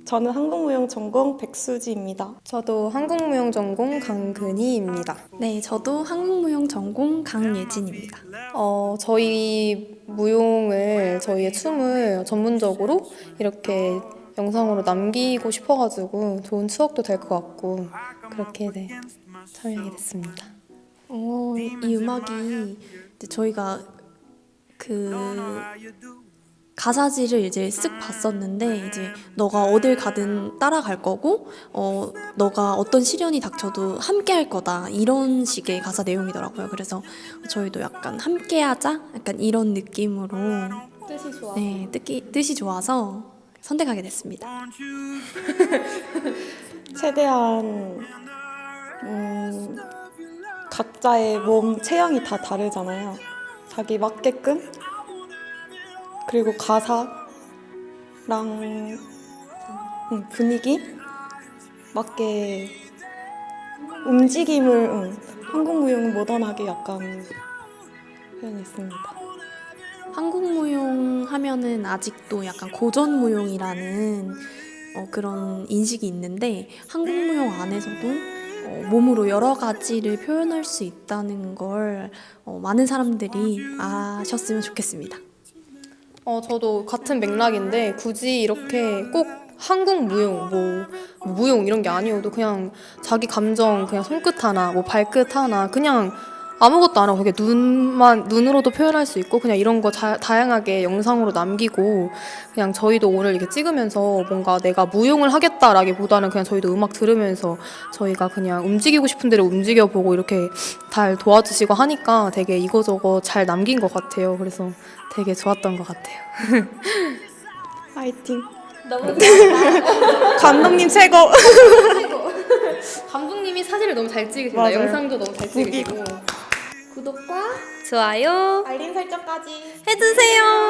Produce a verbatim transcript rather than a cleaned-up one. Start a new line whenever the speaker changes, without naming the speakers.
저는 한국무용 전공 백수지입니다.
저도 한국무용 전공 강근희입니다.
네, 저도 한국무용 전공 강예진입니다.
어, 저희 무용을, 저희의 춤을 전문적으로 이렇게 영상으로 남기고 싶어가지고 좋은 추억도 될 것 같고 그렇게 네, 참여하게 됐습니다.
어, 이 음악이 이제 저희가 그 가사지를 이제 쓱 봤었는데 이제 너가 어딜 가든 따라갈 거고 어 너가 어떤 시련이 닥쳐도 함께 할 거다 이런 식의 가사 내용이더라고요. 그래서 저희도 약간 함께하자 약간 이런 느낌으로
뜻이 좋아.
네 뜻이 뜻이 좋아서 선택하게 됐습니다.
최대한 음, 각자의 몸 체형이 다 다르잖아요. 자기 맞게끔 그리고 가사랑 음, 분위기 맞게 움직임을 음, 한국무용은 모던하게 약간 표현했습니다.
한국무용 하면은 아직도 약간 고전무용이라는 어, 그런 인식이 있는데 한국무용 안에서도 어, 몸으로 여러 가지를 표현할 수 있다는 걸 어, 많은 사람들이 아셨으면 좋겠습니다.
어, 저도 같은 맥락인데 굳이 이렇게 꼭 한국 무용, 뭐 무용 이런 게 아니어도 그냥 자기 감정 그냥 손끝 하나, 뭐 발끝 하나 그냥 아무것도 안 하고 그게 눈만 눈으로도 표현할 수 있고 그냥 이런 거 자, 다양하게 영상으로 남기고 그냥 저희도 오늘 이렇게 찍으면서 뭔가 내가 무용을 하겠다라기보다는 그냥 저희도 음악 들으면서 저희가 그냥 움직이고 싶은 대로 움직여보고 이렇게 잘 도와주시고 하니까 되게 이거저거 잘 남긴 것 같아요. 그래서 되게 좋았던 것 같아요.
화이팅!
너무
감독님 최고!
감독님이 사진을 너무 잘 찍으신다.
맞아요.
영상도 너무 잘
보기.
찍으시고 구독과 좋아요
알림 설정까지
해주세요.